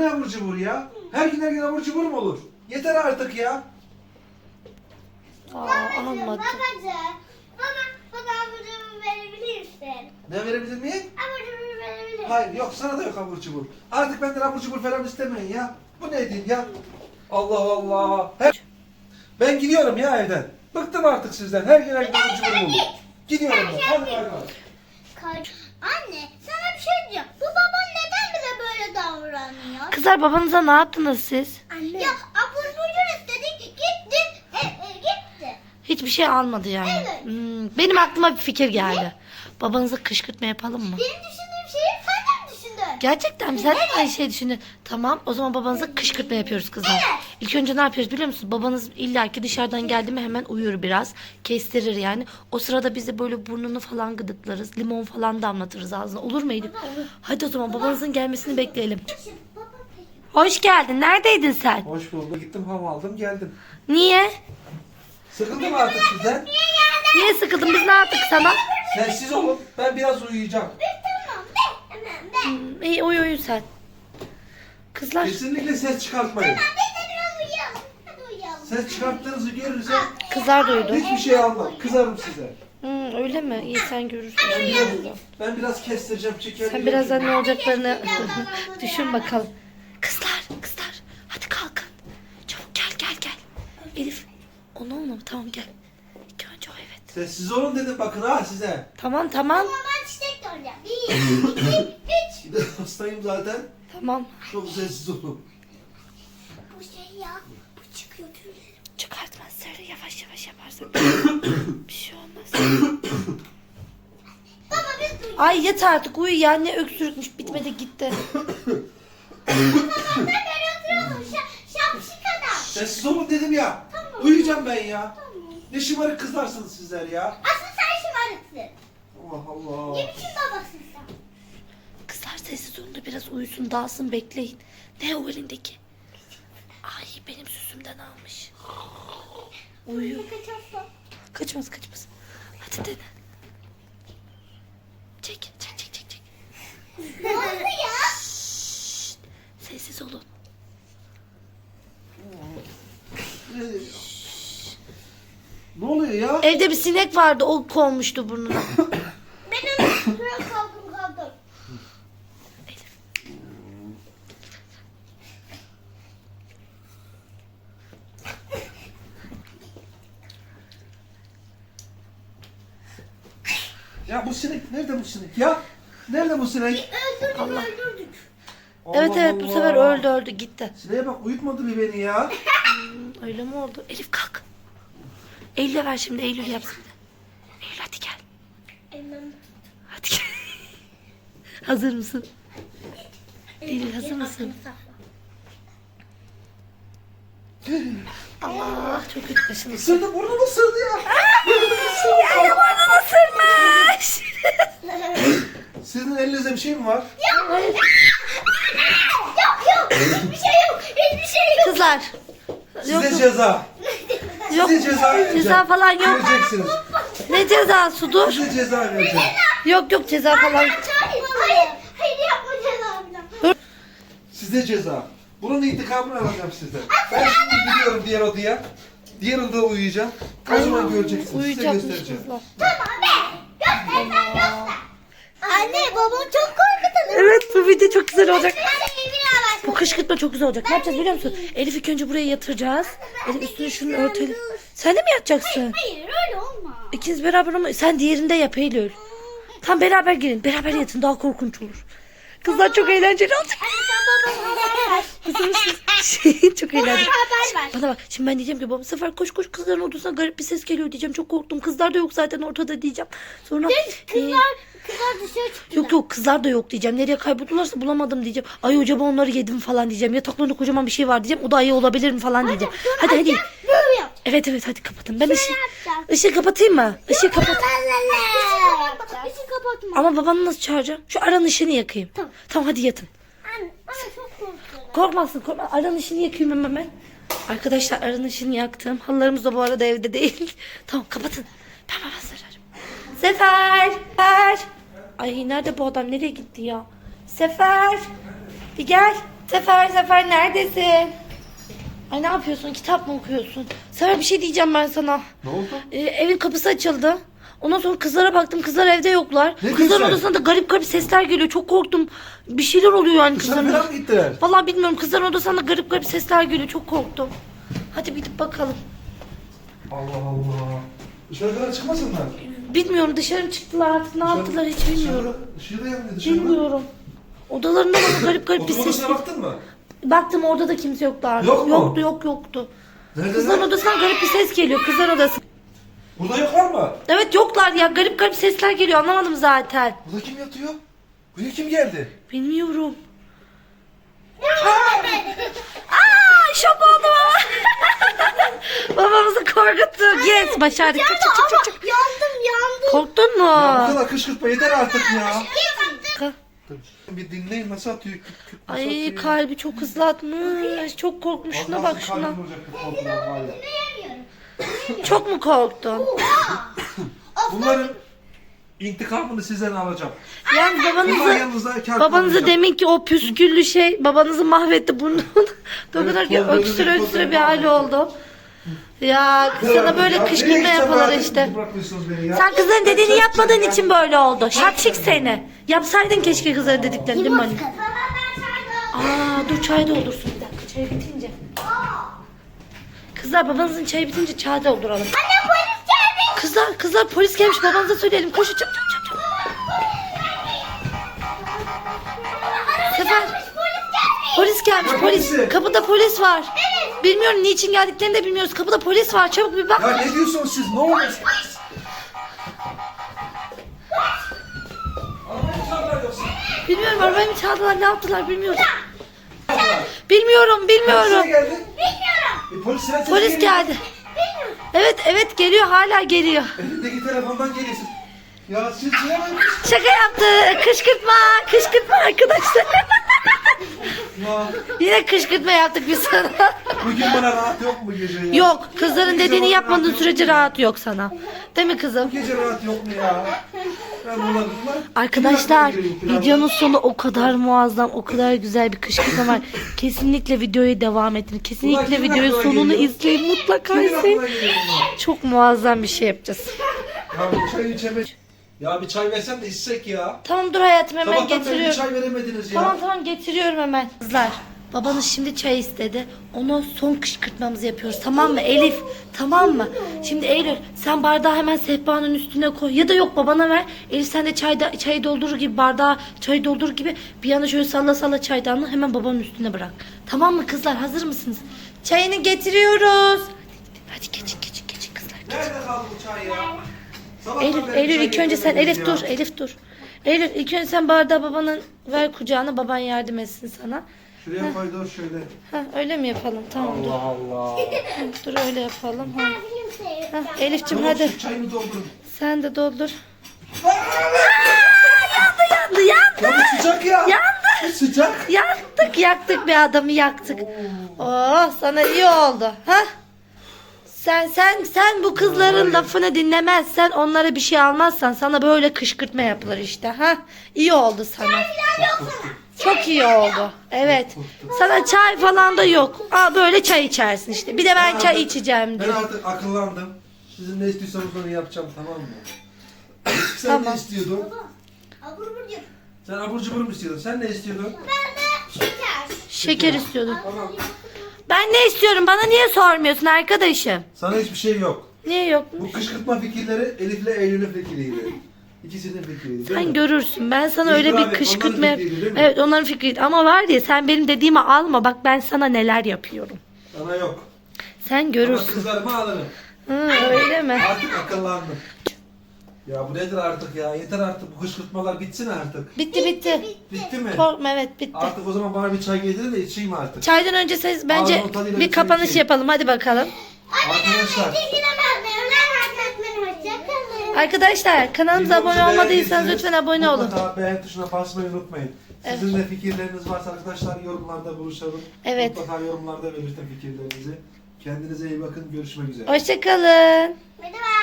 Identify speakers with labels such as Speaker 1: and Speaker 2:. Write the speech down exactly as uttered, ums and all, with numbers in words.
Speaker 1: ne abur cubur ya? Her gün her gün abur cubur mu olur? Yeter artık ya.
Speaker 2: Aa,
Speaker 3: Babacığım,
Speaker 2: almadı.
Speaker 3: babacığım. Bana, bana abur cubur verebilir misin?
Speaker 1: Ne verebilir miyim?
Speaker 3: Abur cubur verebilir misin?
Speaker 1: Hayır yok, sana da yok abur cubur. Artık benden abur cubur falan istemeyin ya. Bu ne diyeyim ya? Allah Allah. Hep... Ben gidiyorum ya evden. Bıktım artık sizden. Her gün her gün abur cubur olur. Gidiyorum ben. Hadi bay bay.
Speaker 3: Kaç- Anne, sana bir şey diyeceğim. Bu baban neden bize böyle davranıyor?
Speaker 2: Kızlar babanıza ne yaptınız siz?
Speaker 3: Anne. Ya abur cubur istedik, gitti, e, e, gitti.
Speaker 2: Hiçbir şey almadı yani.
Speaker 3: Evet.
Speaker 2: Hmm, benim aklıma bir fikir geldi. Babanıza kışkırtma yapalım mı?
Speaker 3: Benim düşündüğüm şeyi sen de mi düşündün?
Speaker 2: Gerçekten mi? Sen de aynı şeyi düşündün. Tamam, o zaman babanıza kışkırtma yapıyoruz kızlar.
Speaker 3: Evet.
Speaker 2: İlk önce ne yapıyoruz biliyor musunuz? Babanız illaki dışarıdan geldi mi hemen uyur biraz. Kestirir yani. O sırada biz de böyle burnunu falan gıdıklarız. Limon falan damlatırız ağzına. Olur mu Elif? Hadi o zaman babanızın gelmesini bekleyelim.
Speaker 3: Şimdi baba peki.
Speaker 2: Hoş geldin. Neredeydin sen?
Speaker 1: Hoş bulduk. Gittim hava aldım geldim.
Speaker 2: Niye?
Speaker 1: Sıkıldım artık sizden.
Speaker 2: Niye sıkıldın? Biz ne yaptık sana?
Speaker 1: Sessiz olun. Ben biraz uyuyacağım.
Speaker 3: Tamam be, hemen be.
Speaker 2: Hmm, iyi uyu uyu sen. Kızlar.
Speaker 1: Kesinlikle ses çıkartmayın.
Speaker 3: Biz de biraz uyuyalım. Hadi uyuyalım.
Speaker 1: Ses çıkarttığınızı görürsem
Speaker 2: Kızlar duydu.
Speaker 1: hiçbir şey almam. Kızarım size.
Speaker 2: Hmm, öyle mi? İyi sen görürsün.
Speaker 1: Ben biraz, ben biraz kestireceğim, çekerim.
Speaker 2: Sen birazdan ne olacaklarını düşün bakalım. Kızlar, kızlar. Hadi kalkın. Çabuk gel, gel, gel. Elif, onu olma. Tamam gel. İlk önce o evet.
Speaker 1: Sessiz olun dedim bakın ha size.
Speaker 2: Tamam, tamam.
Speaker 3: Ama ben çiçek göreceğim. Bir, iki, üç.
Speaker 1: Bir de hastayım zaten.
Speaker 2: Tamam.
Speaker 1: Çok sessiz olun.
Speaker 3: Bu şey ya, bu çıkıyor tüylerim.
Speaker 2: Çıkartmaz. Söyle yavaş yavaş yaparsın. Bir şey olmaz.
Speaker 3: Baba biz duyuyoruz.
Speaker 2: Ay yat artık uyu ya. Ne öksürükmüş. Bitmedi gitti.
Speaker 3: Ben böyle oturuyordum. Şa, şapşik adam.
Speaker 1: Sessiz olun dedim ya.
Speaker 3: Tamam.
Speaker 1: Uyuyacağım ben ya.
Speaker 3: Tamam.
Speaker 1: Ne şımarık kızlarsınız sizler ya.
Speaker 3: Asıl sen şımarıksın.
Speaker 1: Allah Allah.
Speaker 3: Ne biçim babasın sen?
Speaker 2: Kızlar sessiz olun da biraz uyusun, dağılsın, bekleyin. Ne o elindeki? Ay benim süsümden almış. Uyuyor.
Speaker 3: Ne kaçarsa?
Speaker 2: Kaçmaz kaçmaz. Hadi dene. Çek çek çek çek. çek.
Speaker 3: Ne oldu ya?
Speaker 2: Şşt, sessiz olun.
Speaker 1: Ne oluyor ya?
Speaker 2: Evde bir sinek vardı, o konmuştu burnuna.
Speaker 3: Ben onu biraz kaldım kaldım.
Speaker 2: Elif.
Speaker 1: Ya bu sinek, nerede bu sinek ya? Nerede bu sinek?
Speaker 3: Öldürdük
Speaker 2: Allah.
Speaker 3: öldürdük.
Speaker 2: Evet
Speaker 1: Allah
Speaker 2: evet bu
Speaker 1: Allah.
Speaker 2: sefer öldü öldü gitti.
Speaker 1: Sineğe bak, uyutmadı bir beni ya.
Speaker 2: Hmm, öyle mi oldu? Elif kalk. Eylül'e ver şimdi, Eylül yapsın. Eylül hadi gel.
Speaker 3: Elmem.
Speaker 2: Hadi gel. Hazır mısın? Eylül hazır mısın? Allah çok kötü kaşındı.
Speaker 1: Isırdı, burnunu ısırdı ya.
Speaker 2: Ay burnunu ısırmış.
Speaker 1: Sizin elinizde bir şey mi var?
Speaker 3: Yok yok hiçbir şey yok. Hiçbir şey yok.
Speaker 2: Kızlar. Yok,
Speaker 1: Size
Speaker 2: yok.
Speaker 1: ceza.
Speaker 2: Yok.
Speaker 1: Size ceza vereceğim.
Speaker 2: Ceza falan yok.
Speaker 1: Göreceksiniz.
Speaker 2: Ne cezası dur.
Speaker 1: Size ceza vereceğim.
Speaker 2: Yok yok ceza falan.
Speaker 3: Hayır hayır. Hayır yapmayacağız abiden.
Speaker 1: Size ceza. Bunun intikamını alacağım sizden. Ben şimdi gidiyorum diğer odaya. Diğer odada uyuyacağım. O zaman göreceksiniz. Size
Speaker 2: Uyuyacakmış
Speaker 1: göstereceğim.
Speaker 2: kızlar.
Speaker 3: Tamam be. Göster sen göster. Anne babam çok korkutalım.
Speaker 2: Evet bu video çok güzel olacak.
Speaker 3: Hadi evine bak.
Speaker 2: Bu kışkırtma çok güzel olacak. Ne yapacağız biliyor musun? Elif ilk önce buraya yatıracağız. Elif üstüne şunu örtelim. Sen de mi yatacaksın?
Speaker 3: Hayır öyle olma.
Speaker 2: İkiniz beraber ama sen diğerinde yap Eylül. Tam beraber girin. Beraber yatın daha korkunç olur. Kızlar çok eğlenceli olacak.
Speaker 3: Anne sen babama haber ver.
Speaker 2: Hazır mısınız? Şey, çok eğlenceli.
Speaker 3: Haber ver.
Speaker 2: Bana bak şimdi ben diyeceğim ki babam bu sefer koş koş kızların odasına garip bir ses geliyor diyeceğim. Çok korktum. Kızlar da yok zaten ortada diyeceğim. Sonra e,
Speaker 3: Kızlar, kızlar dışarı çıktı.
Speaker 2: yok yok kızlar da yok diyeceğim. Nereye kayboldularsa bulamadım diyeceğim. Ay acaba onları yedim falan diyeceğim. Yataklarında kocaman bir şey var diyeceğim. O da ayı olabilir mi falan diyeceğim. Hadi hadi.
Speaker 3: Böyle yap.
Speaker 2: Evet evet hadi kapatın. Ben ışığı,
Speaker 3: yapacağız?
Speaker 2: ışığı kapatayım mı? Işığı kapat.
Speaker 3: Işığı kapatma.
Speaker 2: Ama babanı nasıl çağıracağım? Şu aranın ışığını yakayım.
Speaker 3: Tamam.
Speaker 2: Tamam hadi yatın.
Speaker 3: Anne, anne çok korkuyorum.
Speaker 2: Korkmazsın korkma. Aranın ışığını yakayım hemen ben. Arkadaşlar aranın ışığını yaktım. Halılarımız da bu arada evde değil. Tamam kapatın. Ben baba sararım. Sefer. Sefer. Ay nerede bu adam? Nereye gitti ya? Sefer. Bir gel. Sefer Sefer neredesin? Ay ne yapıyorsun? Kitap mı okuyorsun? Sefer bir şey diyeceğim ben sana.
Speaker 1: Ne oldu?
Speaker 2: Ee, evin kapısı açıldı. Ondan sonra kızlara baktım. Kızlar evde yoklar.
Speaker 1: Ne
Speaker 2: Kızların
Speaker 1: diyorsun?
Speaker 2: odasında da garip garip sesler geliyor. Çok korktum. Bir şeyler oluyor yani
Speaker 1: Dışarı
Speaker 2: kızların.
Speaker 1: falan mı gittiler?
Speaker 2: Vallahi bilmiyorum. Kızların odasında garip garip sesler geliyor. Çok korktum. Hadi bir gidip bakalım.
Speaker 1: Allah Allah. Dışarı kadar çıkmasınlar.
Speaker 2: Bilmiyorum dışarı mı çıktılar artık ne yaptılar hiç bilmiyorum.
Speaker 1: Dışarıda yanmıyor dışarıda.
Speaker 2: Bilmiyorum. Odalarında bana garip garip bir
Speaker 1: Oturma
Speaker 2: ses.
Speaker 1: odasına baktın mı?
Speaker 2: Baktım orada da kimse yoktu artık.
Speaker 1: Yok mu?
Speaker 2: Yoktu yok yoktu.
Speaker 1: Nerede?
Speaker 2: Kızların odasından garip bir ses geliyor. Kızlar odası.
Speaker 1: Burada yoklar mı?
Speaker 2: Evet yoklar ya. Garip garip sesler geliyor. Anlamadım zaten.
Speaker 1: Burada kim yatıyor? Buraya kim geldi?
Speaker 2: Bilmiyorum. Aa, şok oldum ama. Babamızı korkuttuk. Yes başardık. Çık, çık, çık, çık, çık.
Speaker 3: Yandım yandım.
Speaker 2: Korktun mu?
Speaker 1: Ya bu kadar kışkırtma yeter artık ya.
Speaker 2: Ka-
Speaker 1: Bir dinleyin nasıl atıyor? Küt küt nasıl
Speaker 2: Ay
Speaker 1: atıyor?
Speaker 2: kalbi çok hızlı atmış. Çok korkmuş.
Speaker 1: Az
Speaker 2: Şuna
Speaker 1: kalsın
Speaker 2: bak şuna.
Speaker 1: kalbim olacaktı korkudan var ya.
Speaker 2: Çok mu korktun?
Speaker 1: Bunların intikamını sizden alacağım.
Speaker 2: Yani
Speaker 1: Bunlar
Speaker 2: babanızı
Speaker 1: yanınızda kar
Speaker 2: babanızı demin ki o püsküllü şey babanızı mahvetti burnunu. O
Speaker 1: Evet,
Speaker 2: kadar ki
Speaker 1: tozları,
Speaker 2: öksüre öksüre
Speaker 1: tozları
Speaker 2: bir hali oldu. Ya sana böyle kışkırtma yapılır işte. Sen kızların dediğini yapmadığın için böyle oldu. Şapşik seni. Yapsaydın keşke kızların dediklerini değil mi anne? Aa dur çay doldursun bir dakika çay bitince. Kızlar babanızın çayı bitince çay dolduralım.
Speaker 3: Anne polis geldi.
Speaker 2: Kızlar kızlar polis gelmiş babanıza söyleyelim. Koşun çabuk çabuk çabuk. Sefer polis gelmiş
Speaker 1: Ne
Speaker 2: polis.
Speaker 1: polisi?
Speaker 2: Kapıda polis var. Bilmiyorum niçin geldiklerini de bilmiyoruz. Kapıda polis var. Çabuk bir bak.
Speaker 1: Ya ne diyorsunuz siz? Ne oluyor? Arabayı çaldılar yoksa.
Speaker 2: Bilmiyorum arabayı mı çaldılar ne yaptılar bilmiyorum. Bilmiyorum bilmiyorum.
Speaker 1: Polis geldi.
Speaker 3: Bilmiyorum.
Speaker 1: E, polis sen
Speaker 2: Polis geldi. Evet evet geliyor hala geliyor.
Speaker 1: Elindeki telefondan geliyorsun. Ya siz ne yapıyorsunuz?
Speaker 2: Şaka yaptı. Kışkırtma. Kışkırtma arkadaşlar.
Speaker 1: Ya
Speaker 2: Yine kışkırtma yaptık biz sana.
Speaker 1: bugün bana rahat yok mu gece ya?
Speaker 2: Yok kızların dediğini yapmadığın sürece rahat yok sana. Değil mi kızım?
Speaker 1: Gece rahat yok mu ya? Ben buladım.
Speaker 2: Arkadaşlar videonun sonu o kadar muazzam, o kadar güzel bir kışkırtma var. Kesinlikle videoya devam edin. Kesinlikle videonun sonunu izleyin mutlaka izleyin. Çok muazzam bir şey yapacağız.
Speaker 1: Ya bir çay içemedim. Ya bir çay versen de içsek ya.
Speaker 2: Tamam dur hayatım hemen
Speaker 1: Sabahtan beri bir
Speaker 2: getiriyorum.
Speaker 1: çay veremediniz ya.
Speaker 2: Tamam tamam getiriyorum hemen. Kızlar babanız şimdi çay istedi. Ona son kışkırtmamızı yapıyoruz tamam mı Elif? Tamam mı? Şimdi Eylül sen bardağı hemen sehpanın üstüne koy. Ya da yok babana ver. Elif sen de çayda, çayı doldurur gibi bardağı çayı doldurur gibi bir yana şöyle salla salla çaydanlığı hemen babanın üstüne bırak. Tamam mı kızlar hazır mısınız? Çayını getiriyoruz. Hadi geçin geçin geçin kızlar.
Speaker 1: Nerede kaldı bu çay ya? Sabahtan
Speaker 2: Eylül,
Speaker 1: beri
Speaker 2: Eylül
Speaker 1: çay
Speaker 2: ilk önce sen
Speaker 1: getiremediniz
Speaker 2: Elif
Speaker 1: ya.
Speaker 2: dur Elif dur. Eylül ilk önce sen bardağı babanın ver kucağına baban yardım etsin sana.
Speaker 1: Şuraya koy dur şöyle.
Speaker 2: Ha öyle mi yapalım? Tamam dur.
Speaker 1: Allah Allah.
Speaker 2: Dur öyle yapalım. Ha.
Speaker 3: Kimse.
Speaker 2: Ha, Elif'ciğim
Speaker 1: Hadi.
Speaker 2: hadi.
Speaker 1: Şu çayımı doldurun.
Speaker 2: Sen de doldur. Yandı yandı yandı.
Speaker 1: Ya bu sıcak ya.
Speaker 2: Yandı.
Speaker 1: Sıcak.
Speaker 2: Yaktık yaktık bir adamı yaktık. Oh sana iyi oldu. Ha? Sen sen sen bu kızların lafını dinlemezsen onlara bir şey almazsan sana böyle kışkırtma yapılır işte. Ha? İyi oldu sana. Çok iyi oldu. Evet. Sana çay falan da yok. Aa böyle çay içersin işte. Bir de ben çay içeceğim
Speaker 1: Ben
Speaker 2: diyor.
Speaker 1: artık akıllandım. Sizin ne istiyorsanız onu yapacağım tamam mı? Sen
Speaker 2: Tamam.
Speaker 1: ne istiyordun?
Speaker 3: Abur cubur.
Speaker 1: Sen abur cubur mu istiyordun? Sen ne istiyordun?
Speaker 3: Ben de şeker.
Speaker 2: Şeker istiyordum.
Speaker 1: Tamam.
Speaker 2: Ben ne istiyorum? Bana niye sormuyorsun arkadaşım?
Speaker 1: Sana hiçbir şey yok.
Speaker 2: Niye yok?
Speaker 1: Bu kışkırtma fikirleri Elif'le Eylül'ün fikriydi. İkisinin fikriydi değil
Speaker 2: Sen
Speaker 1: mi?
Speaker 2: görürsün. Ben sana
Speaker 1: Biz
Speaker 2: öyle
Speaker 1: beraber,
Speaker 2: bir kışkırtma
Speaker 1: onların
Speaker 2: yap.
Speaker 1: fikriydi değil mi?
Speaker 2: Evet onların fikriydi. Ama var ya sen benim dediğimi alma. Bak ben sana neler yapıyorum.
Speaker 1: Sana yok.
Speaker 2: Sen
Speaker 1: Ama
Speaker 2: görürsün.
Speaker 1: kızlarımı alırım.
Speaker 2: Hı, öyle mi?
Speaker 1: Artık akıllandım. Ya bu nedir artık ya? Yeter artık bu kışkırtmalar bitsin artık.
Speaker 2: Bitti bitti.
Speaker 1: Bitti mi?
Speaker 2: Korkma evet bitti.
Speaker 1: Artık o zaman bana bir çay getirin de içeyim artık.
Speaker 2: Çaydan önce siz bence
Speaker 1: Ağzının tadıyla
Speaker 2: bir
Speaker 1: bir çay
Speaker 2: kapanış
Speaker 1: içeyim.
Speaker 2: yapalım. Hadi bakalım.
Speaker 1: Arkadaşlar.
Speaker 2: Arkadaşlar kanalımıza abone
Speaker 1: videomuzu
Speaker 2: olmadıysanız
Speaker 1: beğendiyseniz
Speaker 2: lütfen abone olun.
Speaker 1: Mutlaka beğen tuşuna basmayı unutmayın. Sizin de fikirleriniz varsa arkadaşlar yorumlarda buluşalım.
Speaker 2: Evet.
Speaker 1: Mutlaka yorumlarda belirtin fikirlerinizi. Kendinize iyi bakın. Görüşmek üzere.
Speaker 2: Hoşçakalın.
Speaker 3: Hadi bay.